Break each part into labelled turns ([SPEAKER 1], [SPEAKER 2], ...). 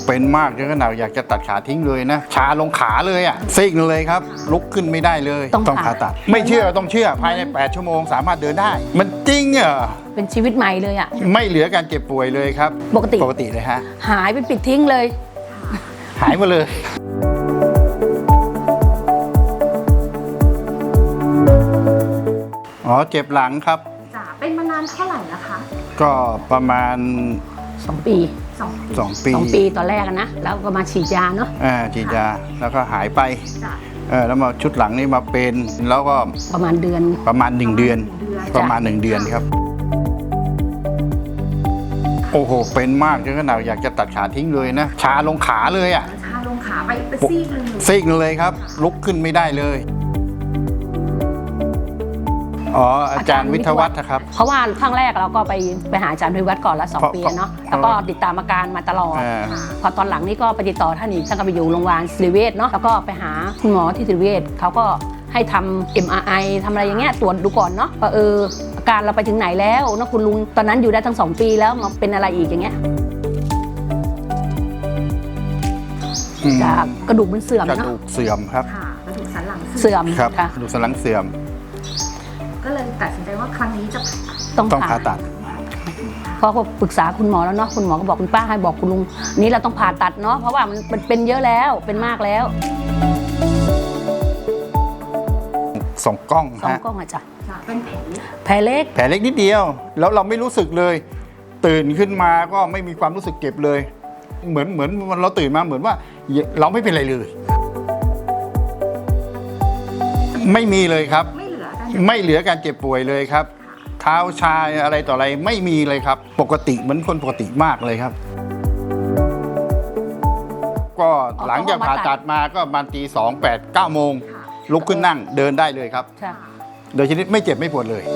[SPEAKER 1] เป็นมากจนขนาดอยากจะตัดขาทิ้งเลยนะชาลงขาเลยอ่ะซีกเลยครับลุกขึ้นไม่ได้เลยต้องผ่าตัดไม่เชื่อต้องเชื่อภายใน8 ชั่วโมงสามารถเดินได้มันจริงเหรอ
[SPEAKER 2] เป็นชีวิตใหม่เลยอ่ะ
[SPEAKER 1] ไม่เหลือการเจ็บป่วยเลยครับปกติเลยฮะ
[SPEAKER 2] หายเป็นปิดทิ้งเลย
[SPEAKER 1] หายหมดเลยอ๋อเจ็บหลังครับ
[SPEAKER 3] จ้ะเป็นมานานเท่าไหร่แล้วคะ
[SPEAKER 1] ก็ประมาณ
[SPEAKER 2] 2 ปี2 ปีตอนแรกนะแล้วก็มาฉีดยาเนาะ
[SPEAKER 1] ฉีดยาแล้วก็หายไปแล้วมาชุดหลังนี่มาเป็นแล้วก็
[SPEAKER 2] ประมาณ1 เดือน
[SPEAKER 1] ประมาณ1 เดือนครับโอ้โหเป็นมากจนขนาดอยากจะตัดขาทิ้งเลยนะชาลงขาเลยอ่ะ
[SPEAKER 3] ชาลงขาไปซีก
[SPEAKER 1] เลยครับลุกขึ้นไม่ได้เลยอ๋ออาจารย์วิทยวัฒน์ครับ
[SPEAKER 2] เพราะว่าครั้งแรกเราก็ไปหาอาจารย์วิทยวัฒน์ก่อนละ2 ปีเนาะแล้วก็ติดตามอาการมาตลอดพอตอนหลังนี่ก็ไปติดต่อท่านอีกท่านก็ไปอยู่โรงพยาบาลศิริเวชเนาะแล้วก็ไปหาคุณหมอที่ศิริเวชเขาก็ให้ทำ MRI ทำอะไรอย่างเงี้ยตรวจดูก่อนเนาะว่าอาการเราไปถึงไหนแล้วนะคุณลุงตอนนั้นอยู่ได้ทั้ง2 ปีแล้วมาเป็นอะไรอีกอย่างเงี้ยจากกระดูกมันเสื่อมเนาะ
[SPEAKER 1] กระดูกเสื่อมครับ
[SPEAKER 3] กระดูกสันหลัง
[SPEAKER 2] เสื่อม
[SPEAKER 1] ครับกระดูกสันหลังเสื่อม
[SPEAKER 3] ก็เลยตัดสินใจว่าครั้งนี้จะ
[SPEAKER 1] ต้องผ่าตัด
[SPEAKER 2] พอปรึกษาคุณหมอแล้วเนาะคุณหมอก็บอกคุณป้าให้บอกคุณลุงนี้เราต้องผ่าตัดเนาะเพราะว่ามันเป็นเยอะแล้วเป็นมากแล้ว
[SPEAKER 1] 2 กล้อง
[SPEAKER 2] อาจารย์
[SPEAKER 3] เป็น
[SPEAKER 2] แผลเล็
[SPEAKER 1] กนิดเดียวแล้วเราไม่รู้สึกเลยตื่นขึ้นมาก็ไม่มีความรู้สึกเจ็บเลยเหมือนเราตื่นมาเหมือนว่าเราไม่เป็นไรเลยไม่มีเลยครับไม่เหลือการเจ็บป่วยเลยครับเท้าชาอะไรต่ออะไรไม่มีเลยครับปกติเหมือนคนปกติมากเลยครับก็หลังจากผ่าตัดมาก็ประมาณตี 2 8 9 โมงลุกขึ้นนั่งเดินได้เลยครับโดยชนิดไม่เจ็บไม่ปวดเลย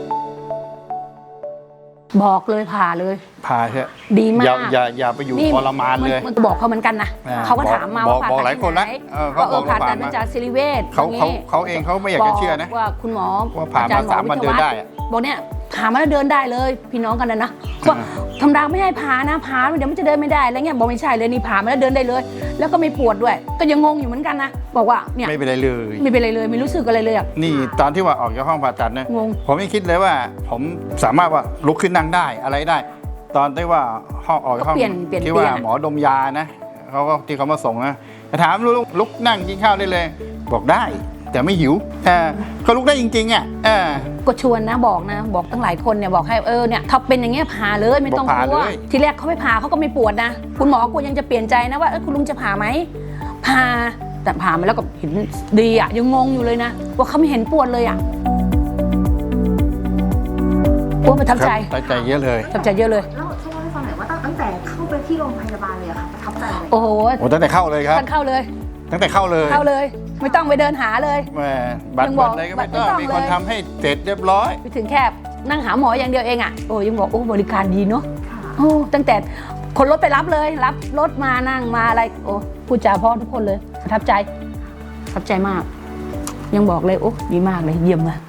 [SPEAKER 2] บอกเลยผ่า
[SPEAKER 1] เถอะ
[SPEAKER 2] ดีมาก
[SPEAKER 1] อย่าไปอยู่ทรมานเลย
[SPEAKER 2] มันบอกเขาเหมือนกันนะเขาก็ถามมาว่าผ่า
[SPEAKER 1] บอกหลายคนแล้ว
[SPEAKER 2] เขาผ่าตัดมาจากศิริเวช
[SPEAKER 1] เขาเองเขาไม่อยากจะเชื่อนะ
[SPEAKER 2] ว่าคุณหมอ
[SPEAKER 1] ว่าผ่ามา3 วันเดินได้
[SPEAKER 2] บอกเนี่ยผ่ามาแล้วเดินได้เลยพี่น้องกันนะว่าธรรมดาไม่ให้ผ่านะผ่าเดี๋ยวมันจะเดินไม่ได้อะไรเงี้ยบอกไม่ใช่เลยนี่ผ่ามาแล้วเดินได้เลยแล้วก็ไม่ปวดด้วยก็ยังงงอยู่เหมือนกันนะบอกว่าเนี่ย
[SPEAKER 1] ไม่เป็นไรเลย
[SPEAKER 2] ไม่รู้สึกอะไรเลย
[SPEAKER 1] นี่ตอนที่ว่าออกจากห้องผ่าตัดนะผมไม่คิดเลยว่าผมสามารถว่าลุกขึ้นนั่งได้อะไรได้ตอนที่ว่าห้องออกจากห้องที่ว่าหมอดมยานะเขาก็ที่เขามาส่งนะถามลุกนั่งกินข้าวได้เลยบอกได้แต่ไม่หิวก็ลุกได้จริงๆอ่ะ
[SPEAKER 2] ก็ชวนนะบอกตั้งหลายคนเนี่ยบอกให้เนี่ยถ้าเป็นอย่างเงี้ยผ่าเลยไม่ต้องกลัวทีแรกเขาไม่ผ่าเขาก็ไม่ปวดนะคุณหมอกูยังจะเปลี่ยนใจนะว่าคุณลุงจะผ่าไหมผ่าแต่ผ่ามาแล้วก็เห็นดีอ่ะยังงงอยู่เลยนะว่าเขาไม่เห็นปวดเลยอ่ะประทับใจ
[SPEAKER 1] เยอะเลย
[SPEAKER 2] ประทับใจเยอะเลย
[SPEAKER 3] แล้วช่วยเล่าให้ฟังหน่อยว่าตั้งแต่เข้าไปที่โรงพยาบาลเลยค่ะประทับใจเลย
[SPEAKER 2] โอ้โห
[SPEAKER 1] ตั้งแต่เข้าเลยครับ
[SPEAKER 2] ตั้งแต่เข้าเลยไม่ต้องไปเดินหาเลย
[SPEAKER 1] บัตรอะไรก็ไม่ต้องมีคนทำให้เสร็จเรียบร้อย
[SPEAKER 2] ไปถึงแค่นั่งหาหมออย่างเดียวเองอ่ะยังบอกบริการดีเนาะตั้งแต่คนรถไปรับเลยรับรถมานั่งมาอะไรพูดจาพ่อทุกคนเลยประทับใจมากยังบอกเลยดีมากเลยเยี่ยมเลย